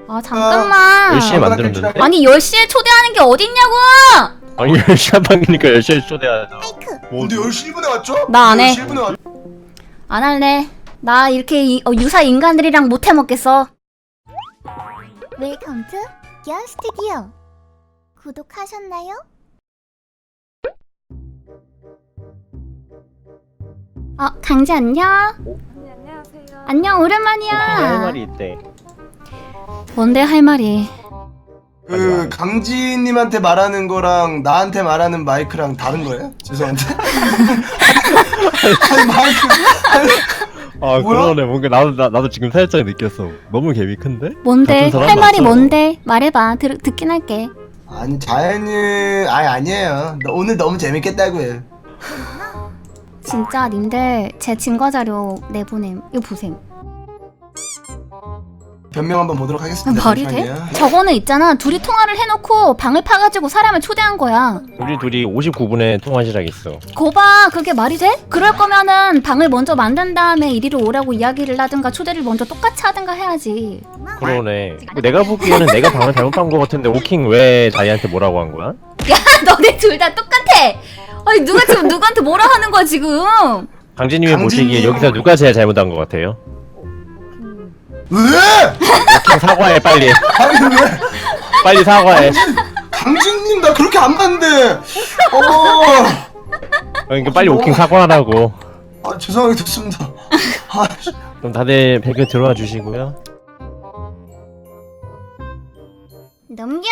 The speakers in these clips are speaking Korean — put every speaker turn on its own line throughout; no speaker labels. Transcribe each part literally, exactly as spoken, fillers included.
아 잠깐만.
열 시에 만들면 되는데?
아니 열 시에 초대하는 게 어딨냐고!
아니 열 시 한방이니까 열 시에 초대하자.
뭐, 근데 열 시 일 분에 왔죠?
나 안 해.
열 시 일 분에 왔...
안 할래. 나 이렇게 이, 어, 유사 인간들이랑 못 해먹겠어.
웰컴 투 기어 스튜디오. 구독하셨나요?
어 강지 안녕.
네, 안녕하세요.
안녕 오랜만이야.
할 말이 있대.
뭔데 할 말이?
그 강진님한테 말하는 거랑 나한테 말하는 마이크랑 다른 거예요? 죄송한데. 아니 마이크.
아
뭐야?
그러네. 뭔가 나도 나, 나도 지금 살짝 느꼈어. 너무 개미 큰데?
뭔데?
같은 사람
할 말이
맞죠?
뭔데? 말해봐. 들, 듣긴 할게.
아니 자연님, 아니 아니에요. 너- 오늘 너무 재밌겠다고요.
진짜 님들 제 증거 자료 내보냄. 이거 보셈.
변명 한번 보도록 하겠습니다.
말이 돼?
잠시만요.
저거는 있잖아. 둘이 통화를 해놓고 방을 파가지고 사람을 초대한 거야.
우리 둘이 오십구 분에 통화 시작했어.
거봐, 그게 말이 돼? 그럴 거면은 방을 먼저 만든 다음에 이리로 오라고 이야기를 하든가 초대를 먼저 똑같이 하든가 해야지.
그러네. 내가 보기에는 내가 방을 잘못한 거 같은데 오킹 왜 자이한테 뭐라고 한 거야?
야, 너네 둘 다 똑같아. 아니 누가 지금 누구한테 뭐라 하는 거야 지금?
강진님이
강진님.
보시기에 여기서 누가 제일 잘못한 거 같아요?
왜?
오킹 사과해 빨리.
아니 왜?
빨리 사과해.
강진님 나 그렇게 안 봤는데. 어.
그러니까 빨리 오킹 사과하라고.
아 죄송하게 됐습니다. 아, 씨.
그럼 다들 배그 들어와 주시고요.
넘겨.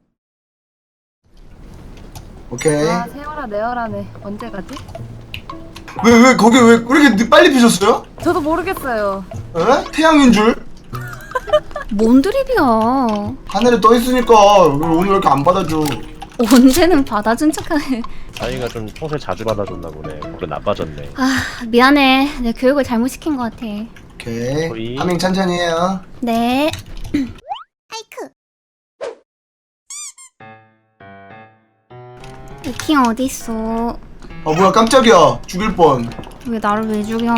오케이.
아, 세월아, 내월아네. 언제 가지?
왜 왜 거기 왜 이렇게 늦- 빨리 피셨어요?
저도 모르겠어요.
에? 태양인 줄?
뭔 드립이야.
하늘에 떠 있으니까 오늘 왜 이렇게 안 받아줘?
언제는 받아준 척하네.
자이가 좀 평소에 자주 받아줬나 보네. 물론 나빠졌네.
아 미안해. 내 교육을 잘못 시킨 것 같아.
오케이.
거의-
파밍 천천히 해요.
네.
하이크.
오킹 어디 있어?
어 뭐야 깜짝이야. 죽일 뻔.
왜 나를 왜 죽여?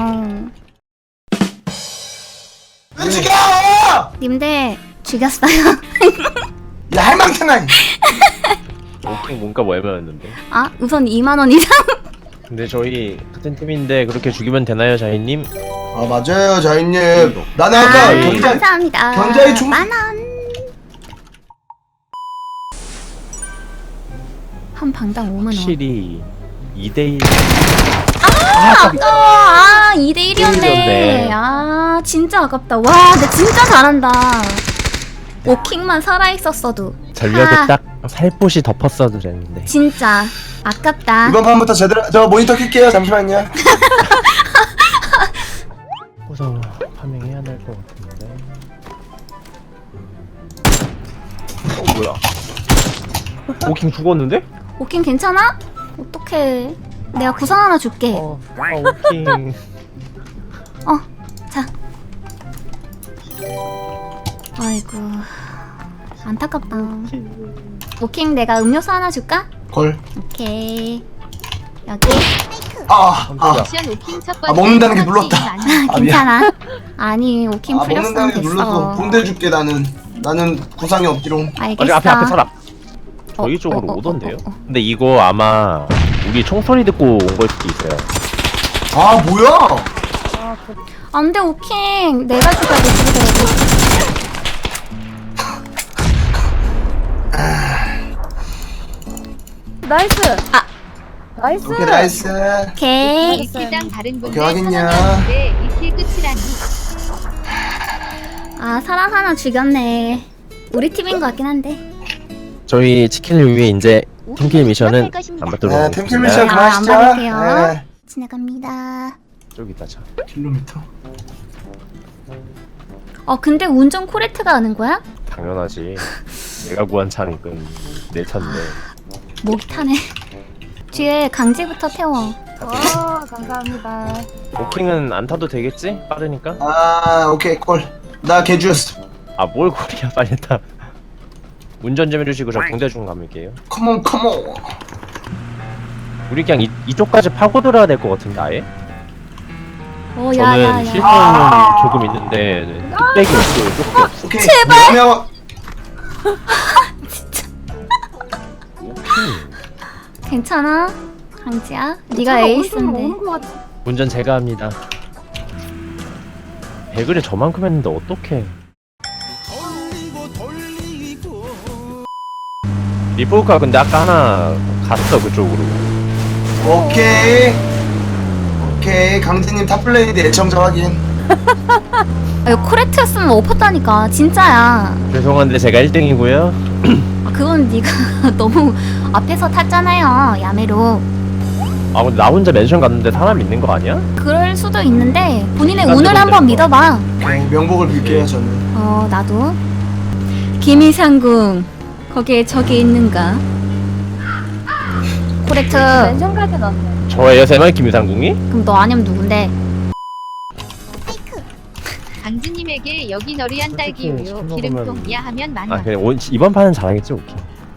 왜 죽여!
님들 죽였어요.
야 할망탱아.
오킹 뭔가 뭐 애매했는데.
아 우선 이만 원 이상.
근데 저희 같은 팀인데 그렇게 죽이면 되나요, 자이님?
아 맞아요 자인님. 나는
아,
아까
네.
경자
감사합니다.
경자의 총-
만 원. 한 방당 오만 원.
확실히 이 대 일.
아까워. 아 이 대 일이었네.
일이었네.
아 진짜 아깝다. 와 나 진짜 잘한다. 오킹만 살아있었어도.
전력을
아.
딱 살포시 덮었어도 됐는데.
진짜 아깝다.
이번 판부터 제대로 저 모니터 켤게요. 잠시만요.
우선 파밍해야 될 것 같은데. 어 뭐야? 오킹 죽었는데?
오킹 괜찮아? 어떡해. 내가 구상 하나 줄게.
어, 아 오킹.
어, 자. 아이고, 안타깝다. 오킹 내가 음료수 하나 줄까?
걸.
오케이. 여기.
아, 아,
미션 오킹 첫
아
번째
먹는다는 게
첫 번째
눌렀다.
이거 아니야?
아, 미안.
괜찮아. 아니, 오킹
아
풀렸으면
먹는다는 게 눌렀어.
됐어.
본대 줄게 나는. 나는 구상이 없지롱.
알겠어.
아니 앞에 앞에 사람.
어,
저희 쪽으로
어, 어,
오던데요?
어, 어, 어.
근데 이거 아마 우리 총소리 듣고 온 걸 수도 있어요.
아 뭐야?
안 돼, 오킹. 내가 죽어야 돼, 죽이더라고.
나이스!
아.
나이스!
오케이 나이스.
오케이.
이킬당 다른 분들
오케이, 확인요.
선언했는데 이킬 끝이라니.
아, 사람 하나 죽였네. 우리 팀인 것 같긴 한데.
저희 치킨을 위해 이제 팀킬 미션은 안 받도록
네,
하겠습니다.
템킬 미션
아,
그만하시죠.
안 받을게요.
네.
지나갑니다.
저기다 자.
킬로미터.
어, 근데 운전 코레트가 하는 거야?
당연하지. 내가 구한 차니까 내 차인데.
목이 타네. 뒤에 강제부터 태워.
와, 감사합니다.
오킹은 안 타도 되겠지? 빠르니까.
아 오케이 콜. 나 개주였어.
아 뭘 고리야 빨리 타. 운전 좀 해주시고 저 붕대 좀 감을게요.
컴온 컴온.
우리 그냥 이, 이쪽까지 파고 들어야 될 것 같은데 아예?
오,
저는
야야야.
실수는 조금 있는데 뚝배기 없어요. 조금 없어.
오케이. 제발. 명
괜찮아? 강지야? 네가
차가
에이스인데.
오는 것 같아.
운전 제가 합니다. 배그를 저만큼 했는데 어떡해. 리포카 근데 아까 하나 갔어 그쪽으로.
오케이. 오케이. 강진님 탑플레이드 애청자 확인.
아, 이거 코레트였으면 엎었다니까. 진짜야.
죄송한데 제가 일 등이고요.
아, 그건 네가 너무 앞에서 탔잖아요. 야매로.
아 근데 나 혼자 멘션 갔는데 사람 있는 거 아니야?
그럴 수도 있는데 본인의
딴
운을
데로
한번
내는 거.
믿어봐.
오케이. 명복을 빌게요 저는.
어, 나도. 김이상궁. 거기에 적이 있는가? 코레트.
멘션까지 넣었네.
저예요 세만 김유상궁이?
그럼 너 아니면 누군데?
강진님에게 여기 너리한 딸기
솔직히
우유
술
기름통
먹으면-
이하하면 만
아
원.
그래 온, 이번 판은 잘하겠지 오케이.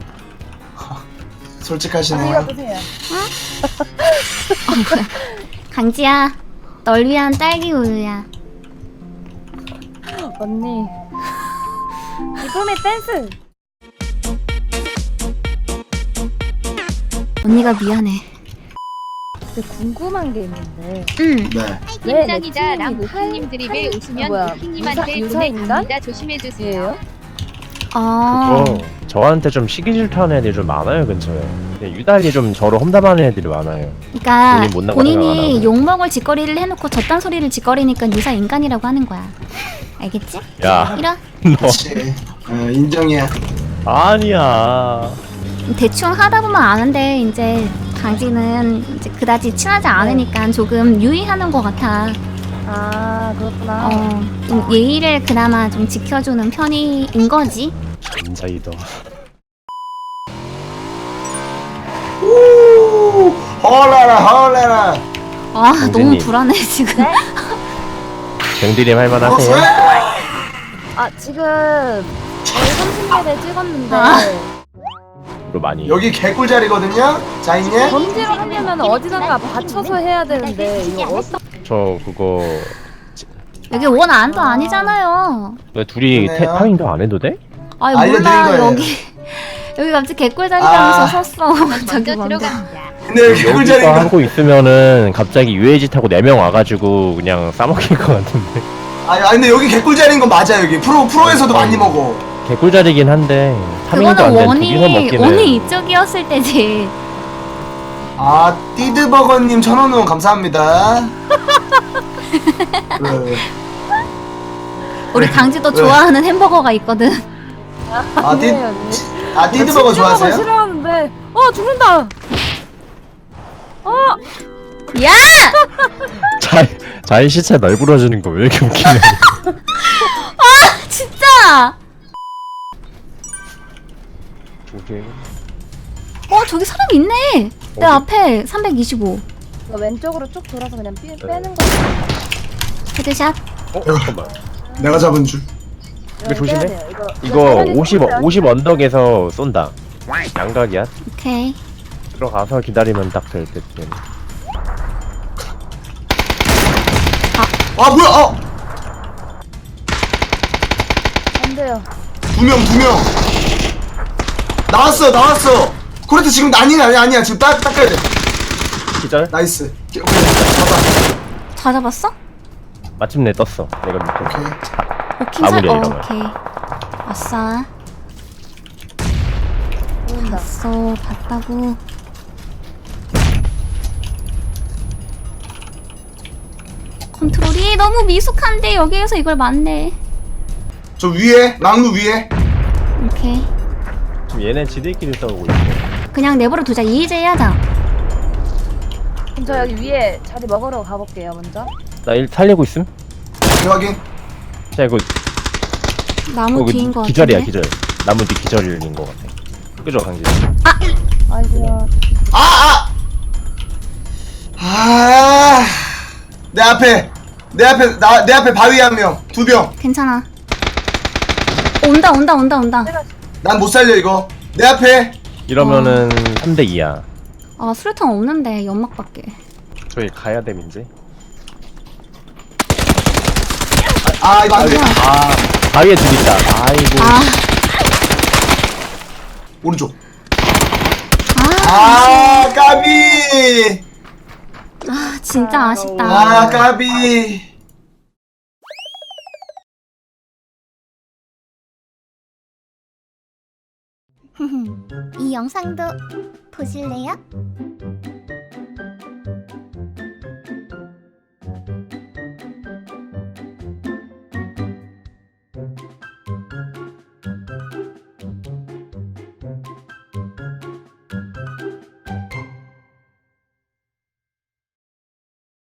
솔직하시네요.
드세요.
강지야. 널 위한 딸기 우유야.
언니. 이쁨의 댄스.
언니가 미안해.
근데 궁금한 게 있는데.
응.
네.
왜
팀장이다
내
랑
팀이
님
그
드립에
한-
웃으면
뭐야,
우킹님한테
유사-
돈에
유사인간?
갑니다. 조심해주세요.
예요?
아.
그거 저한테 좀 시기 질투하는 애들이 좀 많아요 근처에. 근데 유달리 좀 저를 험담하는 애들이 많아요.
그러니까
본인 못 나가는 생각 안
본인이
하고.
욕먹을 짓거리를 해놓고 저딴 소리를 짓거리니까 유사 인간이라고 하는 거야. 알겠지?
야
이런
너
그렇지. 어, 인정이야.
아니야.
대충 하다 보면 아는데 이제 강지는 이제 그다지 친하지 않으니까 조금 유의하는 것 같아.
아 그렇구나.
어, 좀 예의를 그나마 좀 지켜주는 편인 거지.
남자이다.
오. 헐라라 헐라라.
아
강진이.
너무 불안해 지금.
네?
병디림 할만하세요?
아 지금 삼십 레벨 찍었는데
아.
로 많이.
여기 개꿀 자리거든요. 자인님.
범죄를 하려면 어디선가 받쳐서 해야 되는데 이거 어떤
저 그거
여기 원 안도 아니잖아요.
왜 둘이 태,
그러네요.
타밍도 안 해도 돼?
아니
알려드린
몰라
거예요.
여기 여기 갑자기 개꿀자리라면서
아.
섰어. 저기
먼저
뭔데?
들어갑니다.
근데 여기 개꿀
여기서
자리가.
하고 있으면은 갑자기 유해지 타고 네 명 와가지고 그냥 싸먹힐 것 같은데.
아니, 아니 근데 여기 개꿀 자리인 건 맞아 여기. 프로 프로에서도 많이 먹어.
개꿀자리긴 한데 타밍도
그거는
안된 둘이서
원이
먹기는.
원이 이쪽이었을 때지.
아 띠드버거님 천원 후원 감사합니다. 그,
우리 강지도
왜?
좋아하는 햄버거가 있거든.
아, 띠,
아니에요, 언니.
아 띠드버거 좋아하세요?
싫어하는데 어 죽는다. 어
야!
자, 자인 시체 널브러지는 거 왜 이렇게 웃기냐.
진짜!
오케이.
어 저기 사람 있네. 내
어디?
앞에 삼백이십오.
이거 왼쪽으로 쭉 돌아서 그냥
네.
빼, 빼는 거.
헤드샷.
어 잠깐만.
내가 잡은 줄.
이거 조심해.
빼야 돼요. 이거
이거
당연히
오십
쏘세요.
오십 언덕에서 쏜다. 양각이야.
오케이.
들어가서 기다리면 딱 될 듯.
아 뭐야? 어,
안 돼요.
두 명, 두 명. 나왔어, 나왔어. 코레트 지금 아니야, 아니야, 아니야. 지금 딱 닦아야 돼.
기절.
나이스. 오케이, 잡아.
다 잡았어?
마침내 떴어. 내가 밑에.
오케이.
오킹 살.
마무리야,
어,
이러면.
오케이. 아싸.
보인다.
봤어. 봤다고. 컨트롤이 너무 미숙한데 여기에서 이걸 맞네.
저 위에, 막루 위에.
오케이.
지금 얘네 지들끼리 싸우고 있어.
그냥 내버려 두자. 이의제의 하자.
그럼 저 여기 위에 자리 먹으러 가볼게요 먼저.
나 일 살리고 있음.
오케이, 확인.
자 이거
나무
어,
뒤인 거 같은데.
기절이야 기절. 나무 뒤 기절인 거 같아. 그죠 강진?
아이고야.
아, 아. 아. 내 앞에, 내 앞에, 나, 내 앞에 바위 한 명, 두 명.
괜찮아. 온다 온다 온다 온다.
난 못 살려 이거. 내 앞에.
이러면은 삼 대 이야.
아 수류탄 없는데 연막밖에.
저희 가야 됨인지.
아 이거 안 돼.
아 바위에 둘 있다. 아이고.
아,
오른쪽.
아,
아 까비.
아, 진짜 아쉽다.
아 까비.
이 영상도 보실래요?